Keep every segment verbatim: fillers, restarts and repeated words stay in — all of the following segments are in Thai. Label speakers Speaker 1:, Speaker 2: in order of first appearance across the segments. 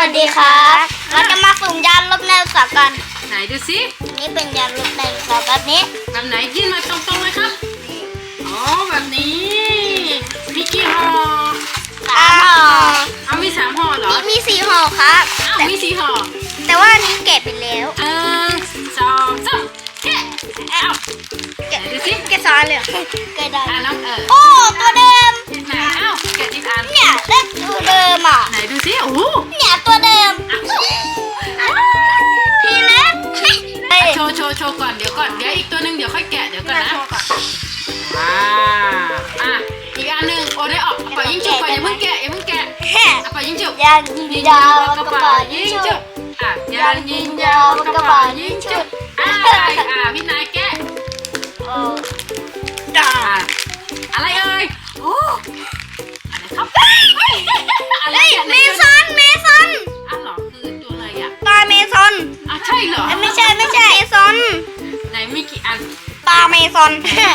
Speaker 1: วัสดีครับเราจะมาสุ่มยานลบไดโนเสาร์กัน
Speaker 2: ไหนดูสิ
Speaker 1: นี่เป็นยานลบไดโนเสาร์แบบนี้
Speaker 2: แบบไหนยื่นมาตรงๆเลยครับอ๋อแบบนี้มีกี่ห่อ
Speaker 1: สามห่อ
Speaker 2: เอามีสามห่อเหรอ
Speaker 1: มีสี่ห่อครับ
Speaker 2: อ้าวมีสี่ห่อ
Speaker 1: แต่ว่าอันนี้แกะไปแล้ว
Speaker 2: หนึ่งสองสามแกะเอาแกะดูสิ
Speaker 1: แกะซ้อนเลยแกะได้
Speaker 2: อ่ะน้องเออ
Speaker 1: โอ้ตัวเดิม
Speaker 2: ไหนเอ้าแกะอีกอัน
Speaker 1: เนี่ยได้ตัวเดิมอ่ะ
Speaker 2: ไหนดูสิโอ้โห
Speaker 1: เนี่ยตัวเดิมพี่เล็ก
Speaker 2: โชว์โชว์โชว์ก่อนเดี๋ยวก่อนเดี๋ยวอีกตัวหนึ่งเดี๋ยวค่อยแกะเดี๋ยวก่อนนะอ่าอ่ะอีกอันหนึ่งโอ้ได้ออกปล่อยยิงจุกก่อนอย่าเพิ่งแกะอย่าเพิ่งแกะปล่อยยิงจุก
Speaker 1: ยางยิงยาวกระเป๋ายิงจุก
Speaker 2: อ่ะยางยิงยาวกระเป๋ายิงจุกอ่ะอ่ะพี่นายแกะ
Speaker 1: โอ้
Speaker 2: อ่ะอะไรเอ่ยโอ้อะไรครับอะไร
Speaker 1: เมซอนเมซอน
Speaker 2: อ่ะหรอคือตัวอะไรอ่ะ
Speaker 1: ปลาเมซอน
Speaker 2: อ่ะใช่เหรอ
Speaker 1: ไม่ใช่ไม่ใช่เมซอน
Speaker 2: ไหนมีกี่อัน
Speaker 1: ปลาเมซอน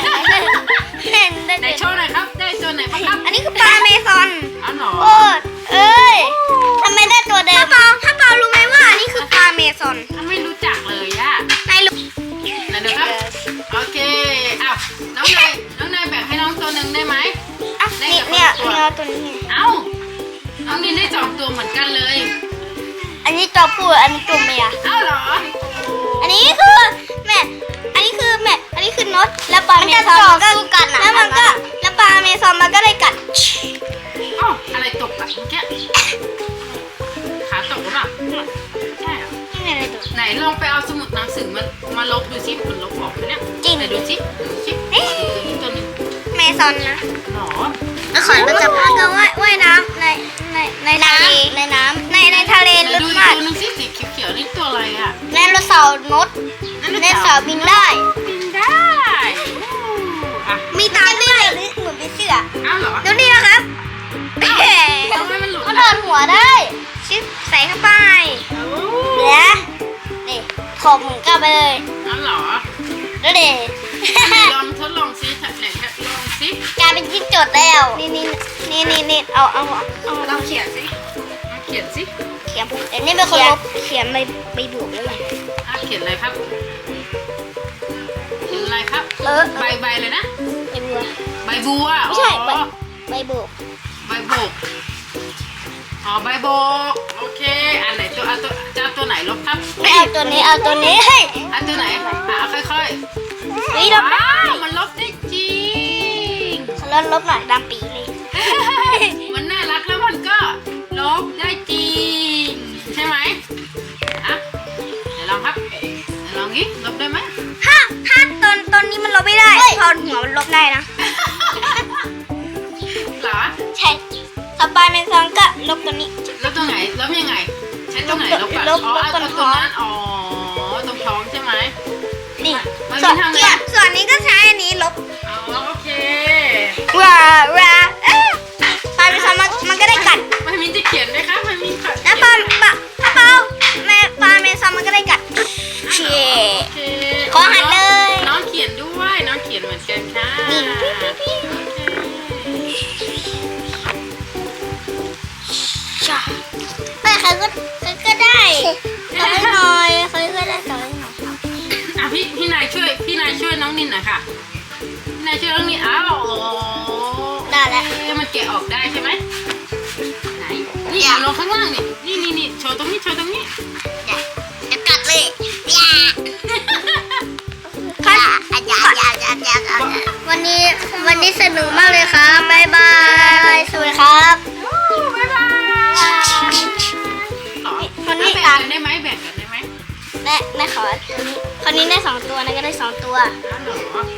Speaker 2: ไหนโชว์หน่อยครับได้ตัวไหนบ้างครับ
Speaker 1: อันนี้คือปลาเมซอน
Speaker 2: อ๋อเหรอ
Speaker 1: โอ้เอ้ยทำไมได้ตัวเดิมถ้าเปาถ้าเปารู้ไหมว่าอันนี้คือปลาเมซอน
Speaker 2: ไม่รู้จักเลยอ่ะ
Speaker 1: นายรู้
Speaker 2: ไหนดูครับโอเคอ้าวน้องนายน้องนายแบ่งให้น้องตัวหนึ่งได้ไหม
Speaker 1: อ่ะนี่เนี่ยเนี่ยตัวนี้
Speaker 2: เอ้าน้องนินได้สองตัวเหมือนกันเลย
Speaker 1: อันนี้ตัวผู้อันนี้ตัวเมีย
Speaker 2: อ้าวเหรอ
Speaker 1: อันนี้คือแม่อันนี้คือแม่อันนี้คือนกแล้วปลาเมซอนมันก็กัดแล้วมันก็แล้วปลาเมซอนมันก็ได้กัด
Speaker 2: อ้าวอะไรตกอะเมื่อกี้ขาตกหรือเปล่าใช่เหรอไหนลองไปเอาสมุดหนังสือมามาลบดูซิมันลบออกไหมเนี่ย
Speaker 1: จริง
Speaker 2: ไหนดูซิดูซิตัวนี้
Speaker 1: เมซอนนะ
Speaker 2: หรอ
Speaker 1: แล้วขอเราจะพากันว่ายว่ายน้ำในในในน้ำในน้ำในในทะเลลึกมาก
Speaker 2: ดูนึงซิสีเขียวๆนี่ตัวอะไรอะ
Speaker 1: ไดโนเสาร์นกไดโนเสาร์บินได้
Speaker 2: บินได้
Speaker 1: มีตาด้วยเหมือนเป็นเสือ
Speaker 2: อ้าวเหรอ
Speaker 1: ดูนี่นะครับ
Speaker 2: ทำไมมันหลุด
Speaker 1: มันเดินหัวได้ชิปใส่เข้าไปเนี่ยนี่ถมกลับไปเลย
Speaker 2: อ้าวเหรอ
Speaker 1: ดูดิ
Speaker 2: ลองทดลองซิไหนลองซิ
Speaker 1: กลายเป็นจิ้งจกแล้วนี่นี่นี่นี่นี่เอาเอาเอา
Speaker 2: ลองเขียนซิเขียนซิ
Speaker 1: เขียนเดี๋ยวนี้เป็นคนลบเขียนใบใบบวกแล้วไง
Speaker 2: เขียนอะไรครับเขียนอะไรครับ
Speaker 1: เออ
Speaker 2: ใบใบเลยนะ
Speaker 1: ใบบัว
Speaker 2: ใบบัว
Speaker 1: ไม่ใช่ใบใบโบก
Speaker 2: ใบโบกอ๋อใบโบกโอเคอันไหนตัวเอาตัวจะเอาตัวไหนลบครับ
Speaker 1: ไม่เอาตัวนี้เอาตัวนี้เฮ้ย
Speaker 2: เอาตัวไหนอ่ะค่อยๆ
Speaker 1: นี่ลบได้
Speaker 2: มันลบได้จริง
Speaker 1: ลบลบหน่อยดำปีเลย
Speaker 2: มันน่ารักแล้วมันก็ลบได้จริงใช่ไหมอ่ะเดี๋ยวลองครับเดี๋ยวลองงี้ลบได้ไหม
Speaker 1: ถ้าถ้าตอนตอนนี้มันลบไม่ได้พอหัวมันลบได้นะ
Speaker 2: เหรอ
Speaker 1: ใช่สปายเมซอนก็ลบตัวนี้
Speaker 2: ลบตรงไหนลบยังไงใช้ตรงไหนลบก่อนอ๋อเอาตรงนั้นอ๋อตรงท้องใช่ไหม
Speaker 1: นี่ส่วนเนี่ยส่วนนี้ก็ใช้อันนี้ลบ
Speaker 2: อ๋อโอเค
Speaker 1: ว้าว้าเอ๊ะปลาเมซอนมันมันก็ได้กัด
Speaker 2: มันมีจะเขียนไหมคะมันมี
Speaker 1: แล้วปลาปลาปลาแม่ปลาเมซอนมันก็ได้กัดเชี่ยขอหันเลย
Speaker 2: น้องเขียนด้วยน้องเขียนเหมือนกันค่ะ
Speaker 1: นี่พี่พี่พี่แต่ใครก็ใครก็ได้ขอให้หน่อยใครก็ได้ขอให้หน่อย
Speaker 2: อ่ะพี่พี่นายช่วยพี่นายช่วยน้องนินหน่อยค่ะพี่นายช่วยน้องนินอ้าว
Speaker 1: ได้แล้ว
Speaker 2: มันแกะออกได้ใช่ไหมไหนนี่ลงข้างล่างนี่นี่นี่นี่โชว์ตรงนี้โชว์ตรงนี้
Speaker 1: จะกัดเลยอย่าค่ะอย่าอย่าอย่าอย่าวันนี้วันนี้สนุกมากเลยครับบ๊ายบายสวัสดีครับ
Speaker 2: บ๊ายบาย
Speaker 1: คนนี้
Speaker 2: แบ่งกันได้ไหมแบ่งกันได้ไหม
Speaker 1: แม่แม่ขอคนนี้ได้สองตัวนะก็ได้สองตัว
Speaker 2: อ๋อเหรอ